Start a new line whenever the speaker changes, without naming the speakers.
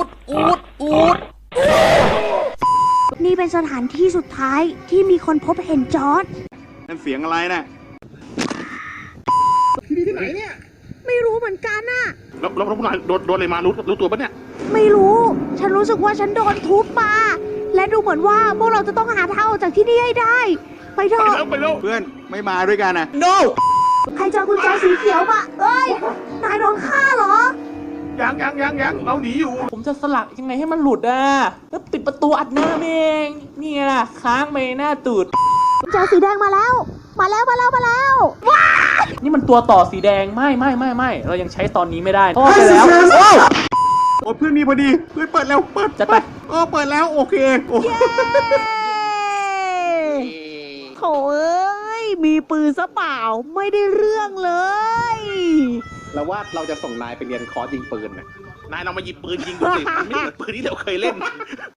ดนี่เป็นสถานที่สุดท้ายที่มีคนพบเห็นจอร์จ
นั่นเสียงอะไรนะ
ที่ไหนเนี่ย
ไม่รู้เหมือนกันน่ะ
แล้วพวกนายโดนอะไรมารู้ตัวปะเนี่ย
ไม่รู้ฉันรู้สึกว่าฉันโดนทุบมาและดูเหมือนว่าพวกเราจะต้องหาทางออกจากที่นี่ให้ได้ไปเถอะ
ไปแล้วเพื่อนไม่มาด้วยกันนะ
no
ใครเจอกุญแจสีเขียวปะเอ้ยนายโดนฆ่าเหรอ
ยังเราหนีอยู่
ผมจะสลักยังไงให้มันหลุดอ่ะแล้วปิดประตูอัดหน้าเองนี่ไงล่ะค้างไปหน้าตูด
กุญแจสีแดงมาแล้วว้า
นี่มันตัวต่อสีแดงไม่เรายังใช้ตอนนี้ไม่ได้พ่อไปแล้ว
โอ้เพื่อนมีพอดีเพื่อนเปิดแล้วเปิด
จะไป
เปิดแล้วโอเคโอ้
โถ่เอ้ยมีปืนซะเปล่าไม่ได้เรื่องเลย
แล้วว่าเราจะส่งนายไปเรียนคอร์สยิงปืนนะ
นายลองมาหยิบปืนยิงดูสิมันไม่เหมือนปืนที่เราเคยเล่น